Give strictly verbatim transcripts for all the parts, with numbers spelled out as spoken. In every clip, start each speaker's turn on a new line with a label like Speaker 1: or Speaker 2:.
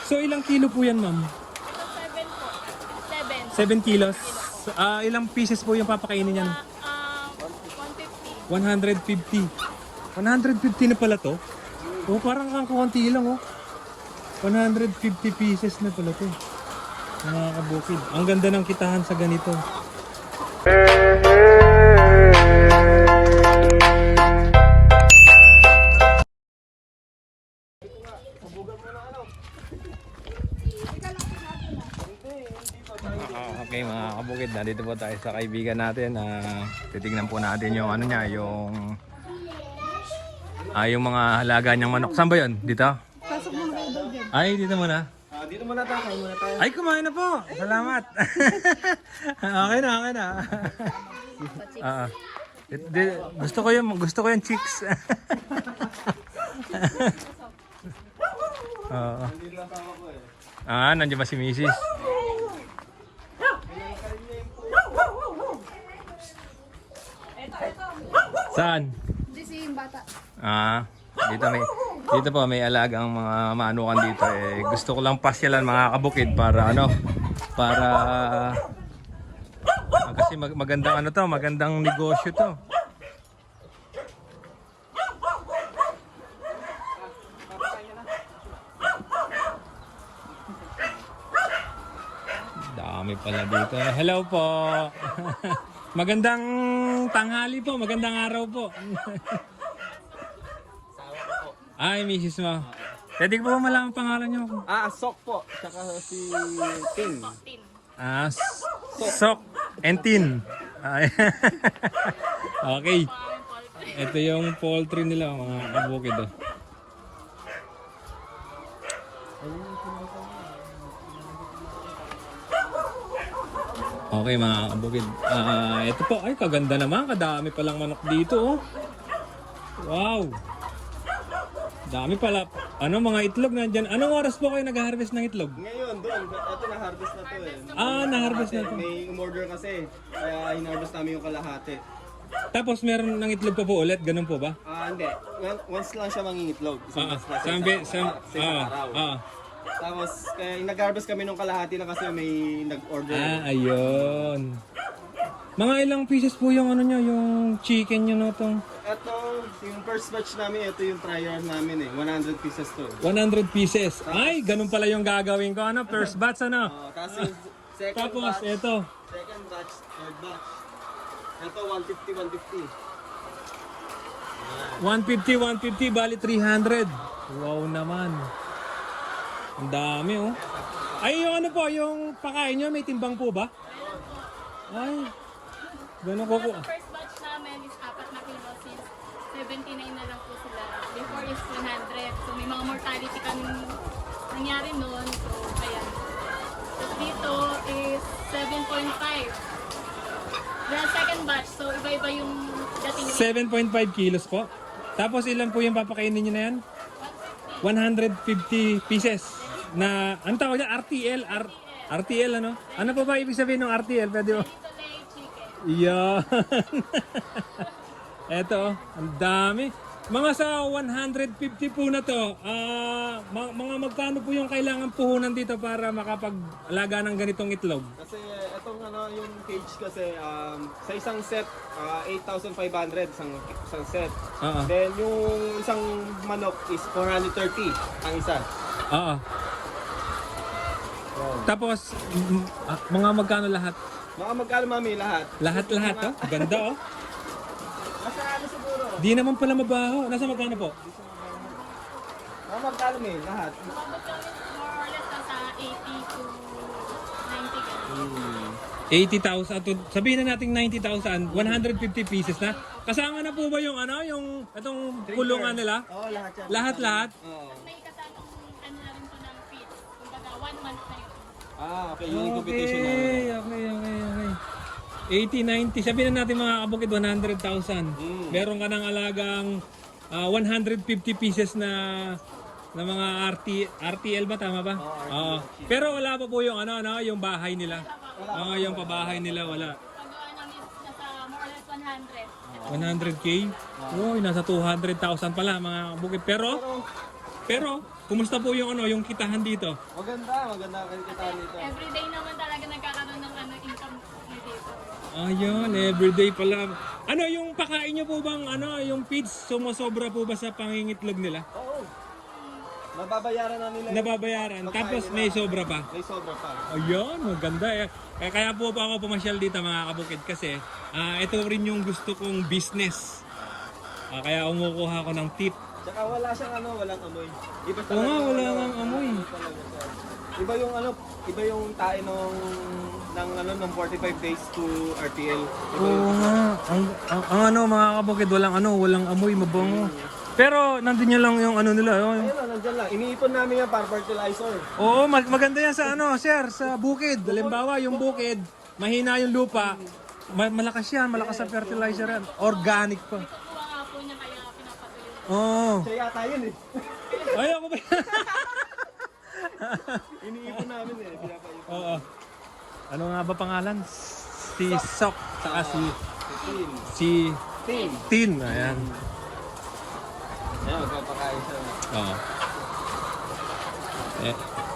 Speaker 1: So ilang kilo po yan, ma'am?
Speaker 2: seven po. seven.
Speaker 1: seven kilos. Ah, ilang pieces po yung papakainin niyan?
Speaker 2: Ah, one fifty.
Speaker 1: one hundred fifty. one hundred fifty na pala to? Oh, parang kang konti lang oh. one hundred fifty pieces na pala to. Mga kabukid. Ang ganda ng kitahan sa ganito. Ah, okay mga kabukid, nandito po tayo sa kaibigan natin. Uh, titignan po natin yung ano niya, yung ah, yung mga halaga niyang manok. Saan ba yun? Dito?
Speaker 2: Pasok mo na daw dyan.
Speaker 1: Ay, dito muna.
Speaker 3: Ah, dito muna tayo, kain muna tayo.
Speaker 1: Ay, kumain na po. Salamat. Okay na, okay na. Ah, di- di- gusto ko yung gusto ko yung chicks. Oo. Ah, nandiyan ba si Missus? Saan?
Speaker 2: Hindi si yung bata.
Speaker 1: Ah, dito may dito po may alagang mga manukan dito eh. Gusto ko lang pasyalan mga kabukid para ano, para ah, kasi mag magandang ano to, magandang negosyo to. Dami pala dito. Hello po. Magandang tanghali po, magandang araw po. Ay, misis mo. Pwede ko ba malaman ang pangalan niyo?
Speaker 3: Ah, Sok po. Tsaka si Ting.
Speaker 2: Tin.
Speaker 1: Ah, S- Sok and Tin. Ay. Okay. Ito yung poultry nila, mga kabukid. Oh. Okay mga kabukid. Ah, ito po, ay kaganda naman, kadami palang manok dito oh. Wow. Dami pala. Ano mga itlog nandiyan? Anong oras po kayo nag-harvest ng itlog?
Speaker 3: Ngayon, doon. Ito na-harvest na to eh.
Speaker 1: Ah, na-harvest na to.
Speaker 3: May umorder kasi. Kaya in-harvest namin yung kalahati.
Speaker 1: Tapos meron ng itlog pa po ulit, ganun po ba?
Speaker 3: Ah, hindi. One- Once lang siya mangingitlog. Isang
Speaker 1: Ah,
Speaker 3: beses lang sa
Speaker 1: sambi,
Speaker 3: isang-
Speaker 1: sam,
Speaker 3: sa isang
Speaker 1: ah,
Speaker 3: araw.
Speaker 1: ah.
Speaker 3: Tapos, kaya nag-harvest kami nung kalahati na kasi may nag-order.
Speaker 1: Ah, ayun. Mga ilang pieces po yung ano nyo, yung chicken nyo na itong
Speaker 3: Ito, yung first batch namin, ito yung trial namin eh. one hundred pieces to.
Speaker 1: one hundred pieces. Ay, ganun pala yung gagawin ko. Ano, first batch ano?
Speaker 3: Oh, tapos yung second
Speaker 1: Tapos,
Speaker 3: batch,
Speaker 1: ito.
Speaker 3: second batch, third batch. Ito, one fifty, one fifty.
Speaker 1: one fifty, one fifty, bali three hundred. Wow naman. Ang dami oh. Ay, yung ano po, yung pakain nyo, may timbang po ba? Ay, ganun ko po.
Speaker 2: Ang first batch namin is apat na kilo since seventy-nine na lang po sila. Before is one hundred. So may mga mortality kami nangyari noon. So kaya. Tapos dito is seven point five. The second batch. So iba-iba yung dating weight.
Speaker 1: seven point five kilos po. Tapos ilan po yung papakainin nyo na yan? one hundred fifty pieces. Na, ano tawag yan? R T L? R R T L ano? Ano pa ba ibig sabihin ng R T L? Pwede mo?
Speaker 2: Dito lay chicken.
Speaker 1: Yan. Eto, ang dami. Mga sa one hundred fifty po na to, ah, ma- mga magkano po yung kailangan puhunan dito para makapag-alaga ng ganitong itlog?
Speaker 3: Kasi itong ano, yung cage kasi, um, sa isang set, uh, eight thousand five hundred isang, isang set.
Speaker 1: Oo.
Speaker 3: Then yung isang manok is four hundred thirty ang isa.
Speaker 1: Oo. Tapos, m- ah, mga magkano lahat?
Speaker 3: Mga magkano mami lahat?
Speaker 1: Lahat-lahat, oh. Ganda, oh.
Speaker 3: Nasa ano siguro?
Speaker 1: Di naman pala mabaho. Nasa magkano po?
Speaker 3: Mga magkano may lahat?
Speaker 2: Umabot kami more or less nasa eighty to ninety ganun.
Speaker 1: eighty thousand. to- Sabihin na natin ninety thousand. one hundred fifty pieces na. Kasama na po ba yung ano, yung itong kulungan nila?
Speaker 3: Oo, lahat yan.
Speaker 1: Lahat-lahat?
Speaker 3: Oo.
Speaker 2: May kasamang ano na rin po ng feed. Kumbaga one month na yun.
Speaker 3: Ah, okay. Yung competition namin.
Speaker 1: Okay, okay, okay, okay. eighty, ninety. Sabihin na natin mga kabukid, one hundred thousand.
Speaker 3: Mm.
Speaker 1: Meron ka ng alagang ah, one hundred fifty pieces na na mga R T, R T L ba? Tama ba? Oo. Pero wala pa po yung ano, ano, yung bahay nila. Oo, yung pabahay nila, wala.
Speaker 2: Pagawa namin nasa more or less one hundred.
Speaker 1: one hundred K? Uy, nasa two hundred thousand pala mga kabukid. Pero, pero, kumusta po yung ano, yung kitahan dito?
Speaker 3: Maganda, maganda ang kita nito.
Speaker 2: Everyday naman talaga nagkakaroon ng ano, income dito.
Speaker 1: Ayun, everyday pala. Ano yung pakain nyo po bang ano, yung feeds sumusobra po ba sa pangingitlog nila?
Speaker 3: Oo. Nababayaran na nila. yung
Speaker 1: Nababayaran,
Speaker 3: pagkain
Speaker 1: tapos
Speaker 3: nila.
Speaker 1: may sobra pa.
Speaker 3: May sobra pa.
Speaker 1: Ayun, maganda eh. Kaya, kaya po pa ako pumasyal dito mga kabukid kasi ah, ito rin yung gusto kong business. Ah, kaya umukuha ko ng tip.
Speaker 3: Tsaka wala siyang ano, walang amoy. Iba
Speaker 1: Oo nga, wala
Speaker 3: ano,
Speaker 1: ngang amoy.
Speaker 3: ano talaga siya. Iba yung ano, iba yung tae nung ng ano ng forty-five days to R T L. Iba
Speaker 1: Oo
Speaker 3: yung,
Speaker 1: nga, ang, ang, ang ano mga kabukid, walang ano, walang amoy, mabango. Pero nandun niya lang yung ano nila. Oh.
Speaker 3: ayun o, nandyan lang. Iniipon namin yan para fertilizer.
Speaker 1: Oo, mag- maganda yan sa ano, sir, sa bukid. Halimbawa, yung bukid, mahina yung lupa, ma- malakas yan, malakas sa fertilizer yan. Organic pa.
Speaker 2: Kukuha nga po niya kaya pinapatuloy.
Speaker 1: Oo.
Speaker 3: Siya yata yun eh.
Speaker 1: Ay, ako ba?
Speaker 3: Iniipon namin eh. Pinapayipon.
Speaker 1: Oo. Ano nga ba pangalan? Si Sok, saka si,
Speaker 3: Tin.
Speaker 1: si
Speaker 3: Tin.
Speaker 1: Tin. Ayan.
Speaker 3: Ayan, magpapakain siya.
Speaker 1: Oo. Eh,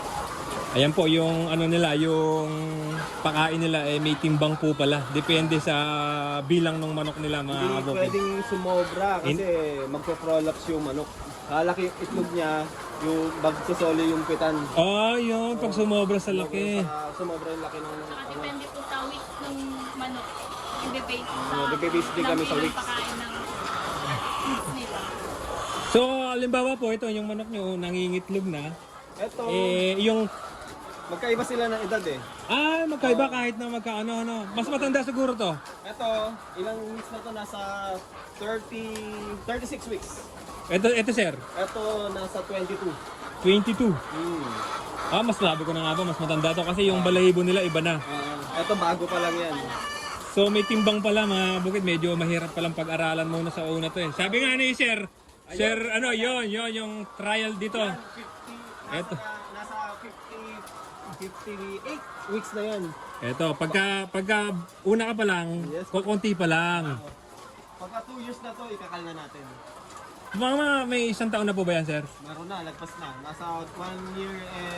Speaker 1: ayan po yung ano nila, yung pakain nila eh may timbang po pala. Depende sa bilang ng manok nila mga
Speaker 3: Hindi
Speaker 1: kabukid.
Speaker 3: pwedeng sumobra kasi magpo-prolapse yung manok. Kalaki yung itlog niya, yung bagsosoli yung pitan.
Speaker 1: Oh, yun. Pag sumobra sa laki.
Speaker 3: Saka sumobra yung laki ng
Speaker 2: Saka
Speaker 3: ano.
Speaker 2: depende po sa week ng manok. Ibe-base sa
Speaker 3: Oo, nagbe-base din kami sa
Speaker 2: ilang
Speaker 3: weeks.
Speaker 2: pagkain ng feeds nila.
Speaker 1: So, halimbawa po, ito yung manok nyo, nangingitlog na.
Speaker 3: Ito,
Speaker 1: Eh, yung...
Speaker 3: magkaiba sila ng edad eh.
Speaker 1: Ah, magkaiba kahit na magkaano, ano. Mas matanda siguro to.
Speaker 3: Ito, ilang weeks na to? Nasa thirty, thirty-six weeks.
Speaker 1: Ito, ito sir,
Speaker 3: Ito, nasa twenty-two.
Speaker 1: twenty-two.
Speaker 3: Hmm.
Speaker 1: Ah, mas labi ko na nga ba, mas matanda to kasi yung balahibo nila iba na.
Speaker 3: Ah, ito, bago pa lang yan.
Speaker 1: So may timbang pala mga bukid, medyo mahirap palang pag-aralan muna sa una to eh. Sabi nga ni sir, sir ano yon yon yung trial dito.
Speaker 3: fifty, nasa,
Speaker 1: Eto.
Speaker 3: nasa fifty, fifty-eight weeks na yan.
Speaker 1: Eto, pagka, pagka una ka pa lang,
Speaker 3: Yes.
Speaker 1: kukunti pa lang.
Speaker 3: Pagka two years na to, ikakal na natin.
Speaker 1: Mga mga may isang taon na po ba yan sir?
Speaker 3: Meron na, lagpas na. Nasa one year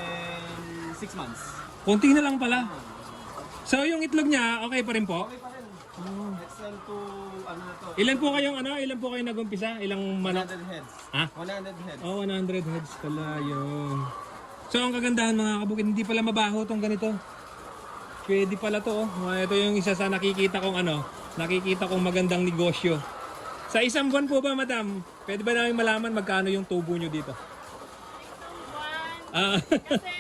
Speaker 3: and six months.
Speaker 1: Kunti na lang pala. So yung itlog niya, okay pa rin po?
Speaker 3: Okay pa rin. Excel to, ano na to?
Speaker 1: Ilan po kayong ano, ilan po kayong nagumpisa? Ilang manok?
Speaker 3: one hundred heads.
Speaker 1: Ha?
Speaker 3: one hundred heads.
Speaker 1: Oh, one hundred heads pala yun. So ang kagandahan mga kabukid, hindi pala mabaho tong ganito. Pwede pala to. Oh. Ito yung isa sa nakikita kong ano, nakikita kong magandang negosyo. Sa isang buwan po ba, madam? Pwede ba namin malaman magkano yung tubo nyo dito?
Speaker 2: Isang buwan.
Speaker 1: Ah,
Speaker 2: Kasi,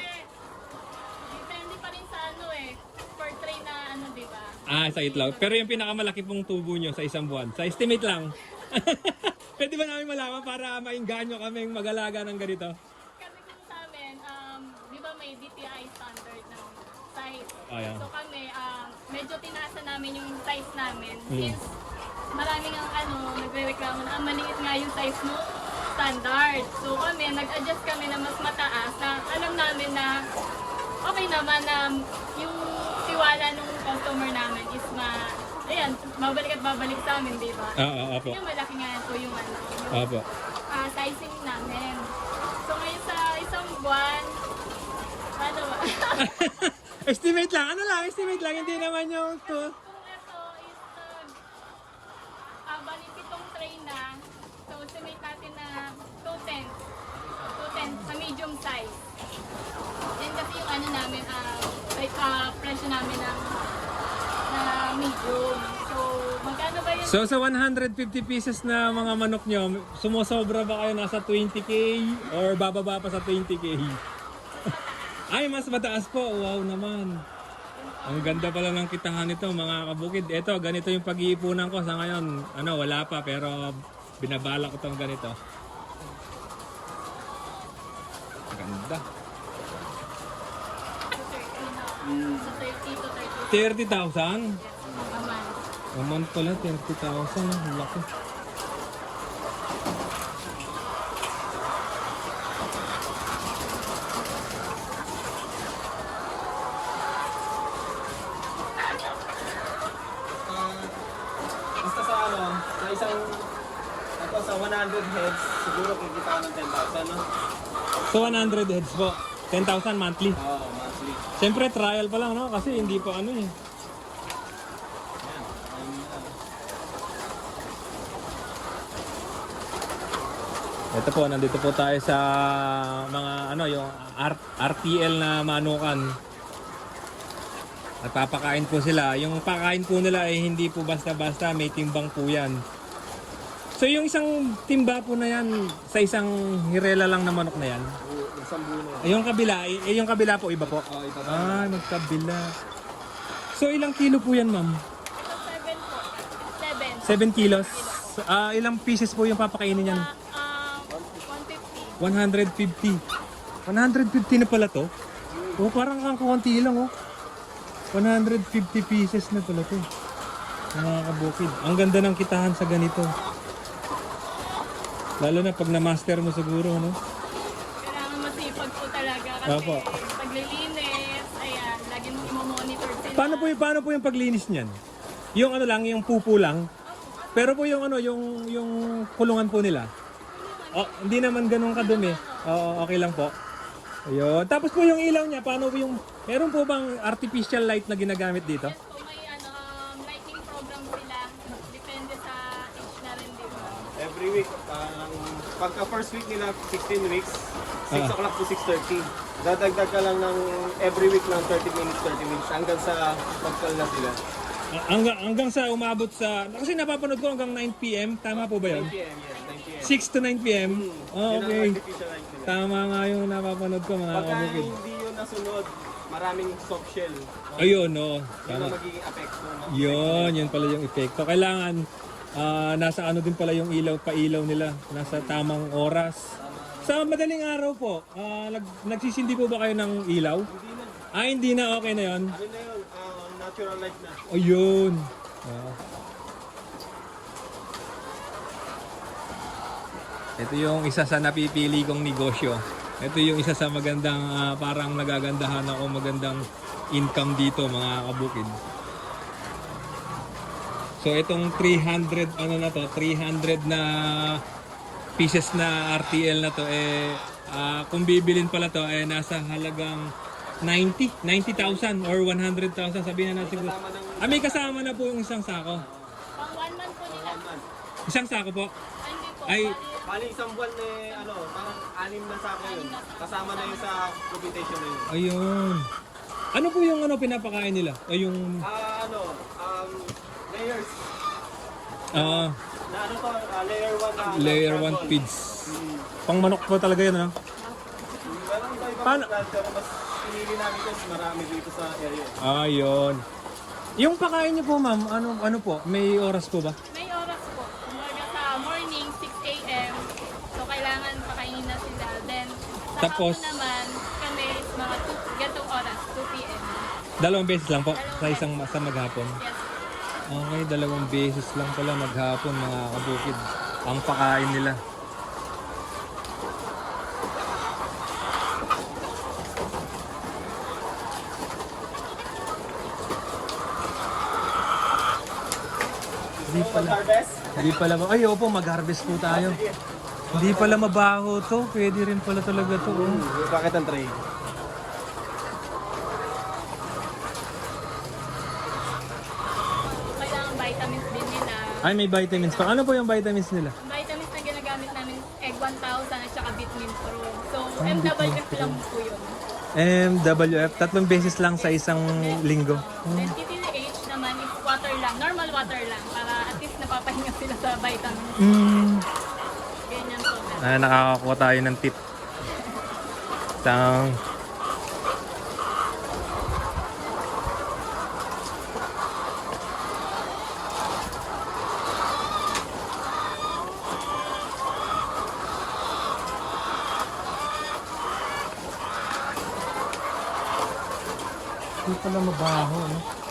Speaker 2: depende pa rin sa ano eh. Per tray na ano, di ba?
Speaker 1: ah, sa itlog. Pero yung pinakamalaki pong tubo nyo sa isang buwan, sa estimate lang. Pwede ba namin malaman para mainganyo kaming mag-alaga ng ganito?
Speaker 2: Kasi kung sa amin, um, di ba may D T I standard ng size.
Speaker 1: Ah, yeah.
Speaker 2: So kami, um, medyo tinaasa namin yung size namin.
Speaker 1: Mm.
Speaker 2: Since maraming ang ano, nagre-reklamo na ang maliit nga yung size mo standard. So kami, nag-adjust kami na mas mataas na alam namin na okay naman na yung tiwala ng customer namin is ma... Ayan, babalik at babalik sa amin, di ba?
Speaker 1: Ah, ah, apo.
Speaker 2: Yung malaki nga po yung ano, yung
Speaker 1: Apo.
Speaker 2: ah, sizing namin. So ngayon sa isang buwan, ano ba?
Speaker 1: Estimate lang, ano lang, estimate lang, hindi naman yung to.
Speaker 2: Kung ito is uh, ah, bali pitong tray na, so estimate natin na two ten. two ten sa medium size. Yan kasi yung ano namin, ah, like, ah, presyo namin ng na medium. So, magkano ba yun?
Speaker 1: So sa one hundred fifty pieces na mga manok nyo, sumusobra ba kayo nasa twenty K or bababa pa sa twenty K? Ay, mas mataas po. Wow naman. Ang ganda pala ng kitahan nito mga kabukid. Ito, ganito yung pag-iipunan ko sa ngayon. Ano, wala pa pero binabala ko itong ganito. Ganda.
Speaker 2: Sa thirty na. Sa thirty to thirty.
Speaker 1: thirty thousand?
Speaker 2: A month.
Speaker 1: Naman pala, thirty thousand. Ang laki.
Speaker 3: Ah, basta sa ano, sa isang, ito sa one hundred heads, siguro kikita ka ng ten thousand, no?
Speaker 1: So one hundred heads po. ten thousand monthly.
Speaker 3: Oo, monthly.
Speaker 1: Siyempre trial pa lang, no? Kasi hindi pa ano eh.
Speaker 3: Yan. Ayun lang.
Speaker 1: Ito po, nandito po tayo sa mga ano, yung R RTL na manukan. Nagpapakain po sila. Yung pakain po nila ay hindi po basta-basta, may timbang po yan. So yung isang timba po na yan, sa isang hirela lang na manok na yan.
Speaker 3: Oo, isang buo na yan.
Speaker 1: Ay, yung kabila, eh, yung kabila po, iba po.
Speaker 3: Oo, iba pa.
Speaker 1: Ah, magkabila. So ilang kilo po yan, ma'am?
Speaker 2: So, seven po. Seven.
Speaker 1: seven kilos. Ah, ilang pieces po yung papakainin niyan?
Speaker 2: Ah, um, one fifty.
Speaker 1: one hundred fifty. one hundred fifty na pala to? Oh, parang kang konti lang oh. one hundred fifty pieces na pala to. Mga kabukid. Ang ganda ng kitahan sa ganito. Lalo na pag na-master mo siguro, no?
Speaker 2: Kailangan masipag po talaga kasi
Speaker 1: Opo.
Speaker 2: paglilinis, ayan, lagi mo i-monitor sila.
Speaker 1: Paano po, yung- paano po yung paglinis niyan? Yung ano lang, yung pupo lang. Pero po yung ano, yung yung kulungan po nila. Oh, hindi naman ganun kadumi. Oo, okay lang po. Ayun. Tapos po yung ilaw niya, paano po yung meron po bang artificial light na ginagamit dito?
Speaker 2: Yes po, may ano, um, lighting program sila. Depende sa age na rin din.
Speaker 3: Every week, parang pagka first week nila, sixteen weeks, six
Speaker 1: Ah.
Speaker 3: o'clock to six thirty. Dadagdag ka lang ng every week ng thirty minutes, thirty minutes, hanggang sa magkal na sila.
Speaker 1: Ah, Hanggang, hanggang sa umabot sa... Kasi napapanood ko hanggang nine p m. Tama po ba yun?
Speaker 3: nine p m, yes, nine p m.
Speaker 1: six to nine p m? Oh,
Speaker 3: Yun ang
Speaker 1: okay.
Speaker 3: artificial light nila.
Speaker 1: Tama nga yung napapanood ko mga
Speaker 3: Pagka
Speaker 1: kabukid.
Speaker 3: hindi yun nasunod, maraming soft shell.
Speaker 1: Ayun, no.
Speaker 3: Yun
Speaker 1: Tama.
Speaker 3: ang magiging apekto. No?
Speaker 1: Yun, yun pala yung epekto. Kailangan ah, nasa ano din pala yung ilaw, pa-ilaw nila. Nasa tamang oras. Sa madaling araw po, ah, nag, nagsisindi po ba kayo ng ilaw?
Speaker 3: Hindi na.
Speaker 1: Ah, hindi na. Okay na yun.
Speaker 3: Ano na yun? Ah, natural light na.
Speaker 1: Ayun. Ah. Ito yung isa sa napipili kong negosyo. Ito yung isa sa magandang, ah, parang nagagandahan ako, magandang income dito mga kabukid. So itong three hundred, ano na to, three hundred na pieces na R T L na to, eh, ah, kung bibilin pala to, eh, nasa halagang ninety, ninety thousand or one hundred thousand, sabihin na natin.
Speaker 3: Kasama ng
Speaker 1: Ah, may kasama na po yung isang sako.
Speaker 2: Pang one month po nila.
Speaker 3: one month.
Speaker 1: Isang sako po.
Speaker 2: Ay, hindi po.
Speaker 1: Ay.
Speaker 2: Bali,
Speaker 3: Bali isang buwan eh, ano, parang anim na sako yun. Kasama na yun sa computation na yun.
Speaker 1: Ayun. Ano po yung ano pinapakain nila? O yung
Speaker 3: Ah, ano, um, layers.
Speaker 1: ah,
Speaker 3: Na ano to, ah, layer one na.
Speaker 1: layer
Speaker 3: ano,
Speaker 1: one
Speaker 3: carbon.
Speaker 1: feeds.
Speaker 3: Hmm.
Speaker 1: Pang manok po talaga yun, ano?
Speaker 3: Pero iba iba
Speaker 1: Paano?
Speaker 3: Paano? Pero mas pinili namin kasi marami dito sa area.
Speaker 1: Ayun. Yung pakain niyo po, ma'am, ano ano po? May oras po ba?
Speaker 2: may oras po. Umaga sa morning, six a m So, kailangan pakainin na sila. Then, sa
Speaker 1: Tapos?
Speaker 2: hapon naman, kami is mga two, gantong oras, two p m
Speaker 1: Dalawang beses lang po sa isang sa maghapon.
Speaker 2: Yes.
Speaker 1: Okay, dalawang beses lang pala maghapon mga kabukid. Ang pakain nila. Hindi pala.
Speaker 3: Mag-harvest?
Speaker 1: Hindi pala ba? Ay, opo, mag-harvest po tayo. Hindi pala mabaho to. Pwede rin pala talaga to. Oh.
Speaker 3: Bakit ang tray?
Speaker 2: Kailangan vitamins din nila.
Speaker 1: Ay, may vitamins pa. Ano po yung vitamins nila?
Speaker 2: Ang vitamins na ginagamit namin is Egg one thousand at saka Vitamin Pro. So,
Speaker 1: Ah,
Speaker 2: M W F
Speaker 1: Vitamin
Speaker 2: lang po yun.
Speaker 1: M W F, tatlong beses lang sa isang linggo.
Speaker 2: Then T T H naman is water lang, normal water lang para at least napapahinga sila sa vitamins.
Speaker 1: Mm.
Speaker 2: Ganyan po.
Speaker 1: Ah, nakakakuha tayo ng tip. Tang. Hindi pala mabaho, no?